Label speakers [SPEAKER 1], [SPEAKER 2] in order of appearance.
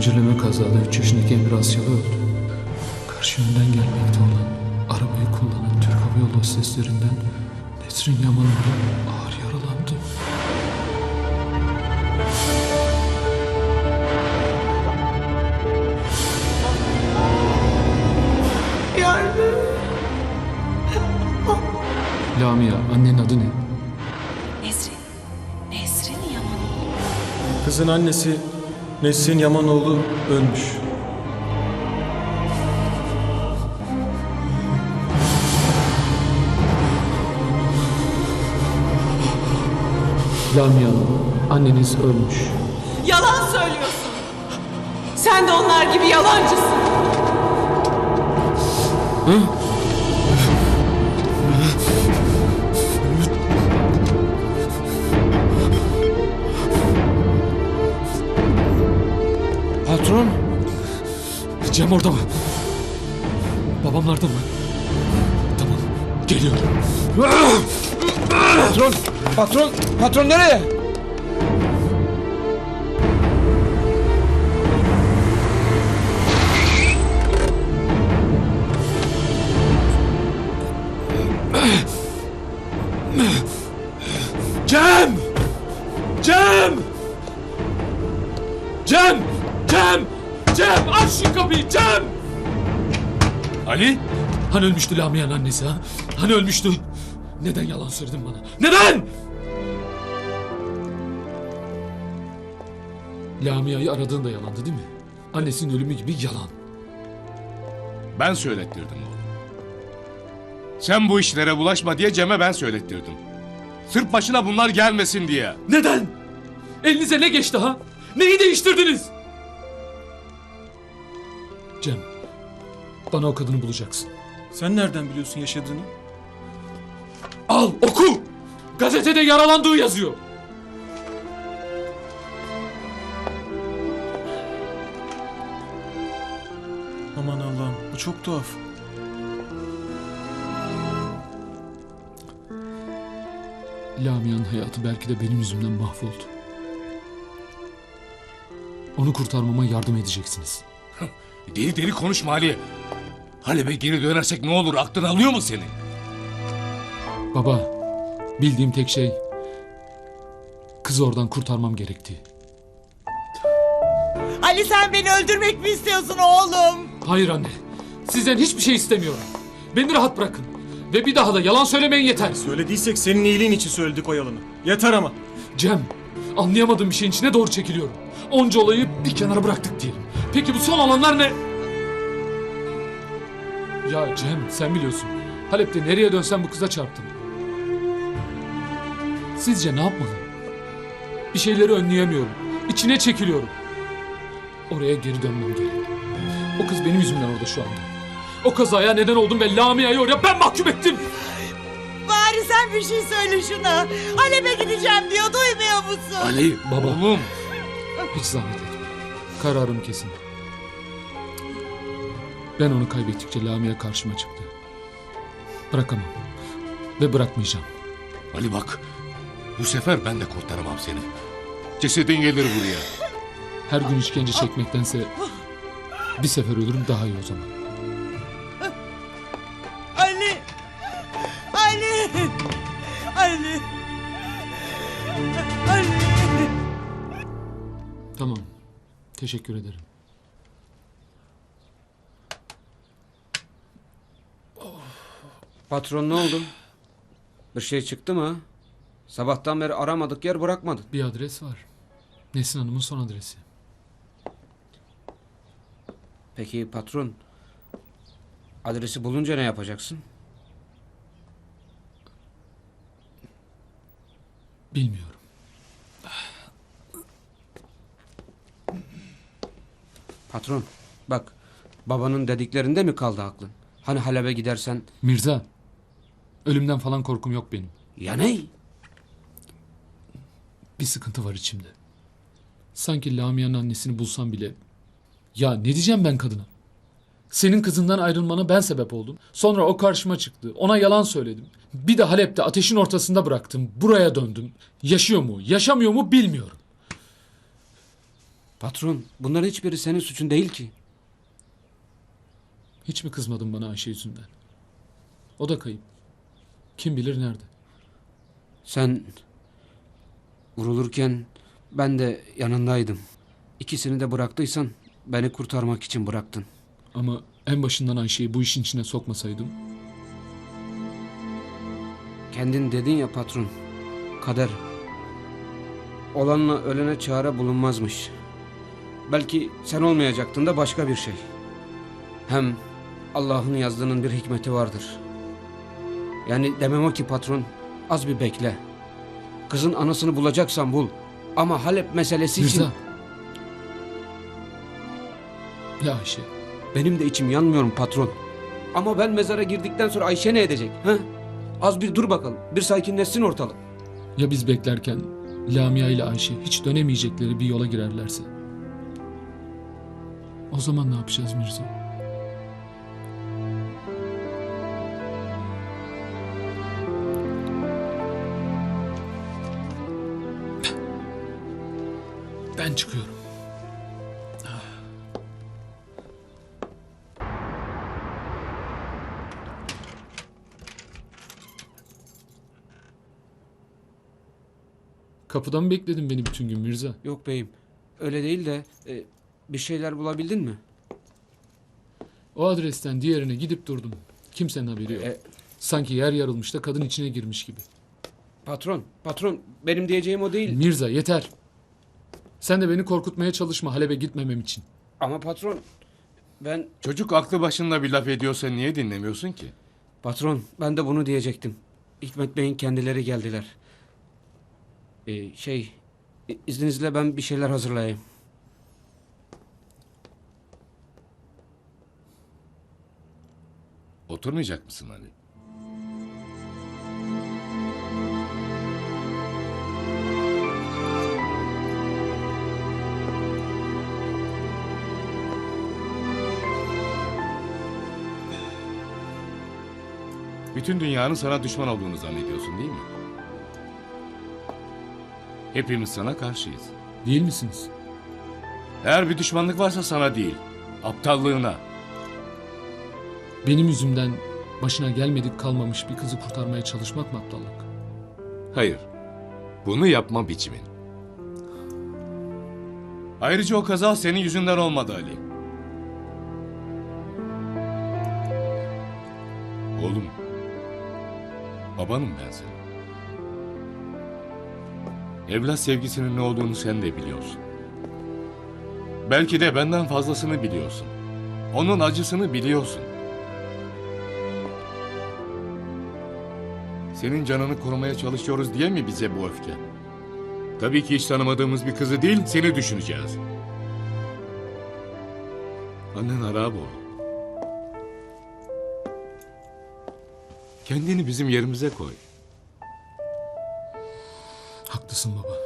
[SPEAKER 1] Zincirleme kazada 3 yaşındaki Emir Asyalı öldü. Karşı yönden gelmekte olan, arabayı kullanan Türk Hava Yolu hosteslerinden Nesrin Yaman ağır yaralandı. Lamia, annenin adı ne?
[SPEAKER 2] Nesrin. Nesrin Yaman.
[SPEAKER 3] Kızın annesi Nesrin Yamanoğlu ölmüş.
[SPEAKER 1] Lamia Hanım, anneniz ölmüş.
[SPEAKER 2] Yalan söylüyorsun. Sen de onlar gibi yalancısın.
[SPEAKER 1] Patron! Cem orada mı? Babamlarda mı? Tamam, geliyorum.
[SPEAKER 4] Patron! Patron! Patron nereye?
[SPEAKER 1] Cem! Cem! Cem! Cem! Cem! Aç şu kapıyı Cem! Ali? Hani ölmüştü Lamia'nın annesi ha? Hani ölmüştü? Neden yalan söyledin bana? Neden? Lamia'yı aradığın da yalandı değil mi? Annesinin ölümü gibi yalan.
[SPEAKER 5] Ben söylettirdim oğlum. Sen bu işlere bulaşma diye Cem'e ben söylettirdim. Sırf başına bunlar gelmesin diye.
[SPEAKER 1] Neden? Elinize ne geçti ha? Neyi değiştirdiniz? Cem, bana o kadını bulacaksın.
[SPEAKER 3] Sen nereden biliyorsun yaşadığını?
[SPEAKER 1] Al, oku! Gazetede yaralandığı yazıyor.
[SPEAKER 3] Aman Allah'ım, bu çok tuhaf.
[SPEAKER 1] Lamia'nın hayatı belki de benim yüzümden mahvoldu. Onu kurtarmama yardım edeceksiniz.
[SPEAKER 5] Deli deli konuşma Ali. Halep'e geri dönersek ne olur, aklın alıyor mu seni?
[SPEAKER 1] Baba, bildiğim tek şey kızı oradan kurtarmam gerektiği.
[SPEAKER 6] Ali sen beni öldürmek mi istiyorsun oğlum?
[SPEAKER 1] Hayır anne, sizden hiçbir şey istemiyorum. Beni rahat bırakın. Ve bir daha da yalan söylemeyin yeter.
[SPEAKER 3] Söylediysek senin iyiliğin için söyledik o yalanı. Yeter ama.
[SPEAKER 1] Cem, anlayamadığım bir şeyin içine doğru çekiliyorum. Onca olayı bir kenara bıraktık diyelim. Peki bu son olanlar ne? Ya Cem, sen biliyorsun. Halep'te nereye dönsem bu kıza çarptım. Sizce ne yapmalıyım? Bir şeyleri önleyemiyorum. İçine çekiliyorum. Oraya geri dönmem gerek. O kız benim yüzümden orada şu anda. O kazaya neden oldum ve Lamia'yı oraya ben mahkum ettim.
[SPEAKER 6] Bari sen bir şey söyle şuna. Halep'e gideceğim diyor, duymuyor musun?
[SPEAKER 5] Ali,
[SPEAKER 1] Baba.
[SPEAKER 5] oğlum.
[SPEAKER 1] Hiç zahmet etme. Kararım kesin. Ben onu kaybettikçe Lamia karşıma çıktı. Bırakamam. Ve bırakmayacağım.
[SPEAKER 5] Ali bak, bu sefer ben de kurtaramam seni. Cesedin gelir buraya.
[SPEAKER 1] Her gün işkence çekmektense bir sefer ölürüm daha iyi o zaman.
[SPEAKER 6] Ali! Ali! Ali! Ali!
[SPEAKER 1] Tamam. Teşekkür ederim.
[SPEAKER 4] Patron ne oldu? Bir şey çıktı mı? Sabahtan beri aramadık, yer bırakmadık.
[SPEAKER 1] Bir adres var. Nesin Hanım'ın son adresi.
[SPEAKER 4] Peki patron, adresi bulunca ne yapacaksın?
[SPEAKER 1] Bilmiyorum.
[SPEAKER 4] Patron, bak, babanın dediklerinde mi kaldı aklın? Hani Halep'e gidersen...
[SPEAKER 1] Mirza, ölümden falan korkum yok benim.
[SPEAKER 4] Ya ne?
[SPEAKER 1] Bir sıkıntı var içimde. Sanki Lamia'nın annesini bulsam bile... Ya ne diyeceğim ben kadına? Senin kızından ayrılmana ben sebep oldum. Sonra o karşıma çıktı. Ona yalan söyledim. Bir de Halep'te ateşin ortasında bıraktım. Buraya döndüm. Yaşıyor mu, yaşamıyor mu bilmiyorum.
[SPEAKER 4] Patron, bunların hiçbiri senin suçun değil ki.
[SPEAKER 1] Hiç mi kızmadın bana Ayşe yüzünden? O da kayıp. Kim bilir nerede?
[SPEAKER 4] Sen vurulurken ben de yanındaydım. İkisini de bıraktıysan beni kurtarmak için bıraktın.
[SPEAKER 1] Ama en başından Ayşe'yi bu işin içine sokmasaydım...
[SPEAKER 4] Kendin dedin ya patron, kader. Olanla ölene çare bulunmazmış. Belki sen olmayacaktın da başka bir şey. Hem Allah'ın yazdığının bir hikmeti vardır. Yani demem o ki patron, az bir bekle. Kızın anasını bulacaksan bul. Ama Halep meselesi için...
[SPEAKER 1] Mirza! Ya Ayşe,
[SPEAKER 4] Benim de içim yanmıyor patron. Ama ben mezara girdikten sonra Ayşe ne edecek? Ha? Az bir dur bakalım. Bir sakinleşsin ortalık.
[SPEAKER 1] ya biz beklerken Lamia ile Ayşe hiç dönemeyecekleri bir yola girerlerse? O zaman ne yapacağız Mirza? Ben çıkıyorum. Kapıda mı bekledin beni bütün gün Mirza?
[SPEAKER 4] Yok beyim. Öyle değil de bir şeyler bulabildin mi?
[SPEAKER 1] O adresten diğerine gidip durdum. Kimsenin haberi yok. Sanki yer yarılmış da kadın içine girmiş gibi.
[SPEAKER 4] Patron benim diyeceğim o değil.
[SPEAKER 1] Mirza yeter. Sen de beni korkutmaya çalışma Halep'e gitmemem için.
[SPEAKER 4] Ama patron ben...
[SPEAKER 5] Çocuk aklı başında bir laf ediyorsa niye dinlemiyorsun ki?
[SPEAKER 4] Patron ben de bunu diyecektim. Hikmet Bey'in kendileri geldiler. İzninizle ben bir şeyler hazırlayayım.
[SPEAKER 5] Oturmayacak mısın Ali? Bütün dünyanın sana düşman olduğunu zannediyorsun değil mi? Hepimiz sana karşıyız.
[SPEAKER 1] Değil misiniz?
[SPEAKER 5] Eğer bir düşmanlık varsa sana değil, aptallığına.
[SPEAKER 1] Benim yüzümden başına gelmedik kalmamış bir kızı kurtarmaya çalışmak mı aptallık?
[SPEAKER 5] Hayır, bunu yapma biçimin. Ayrıca o kaza senin yüzünden olmadı Ali. Oğlum, babanım ben senin. Evlat sevgisinin ne olduğunu sen de biliyorsun. Belki de benden fazlasını biliyorsun. Onun acısını biliyorsun. Senin canını korumaya çalışıyoruz diye mi bize bu öfke? Tabii ki hiç tanımadığımız bir kızı değil, seni düşüneceğiz. Annen harap oldu. Kendini bizim yerimize koy.
[SPEAKER 1] Haklısın baba.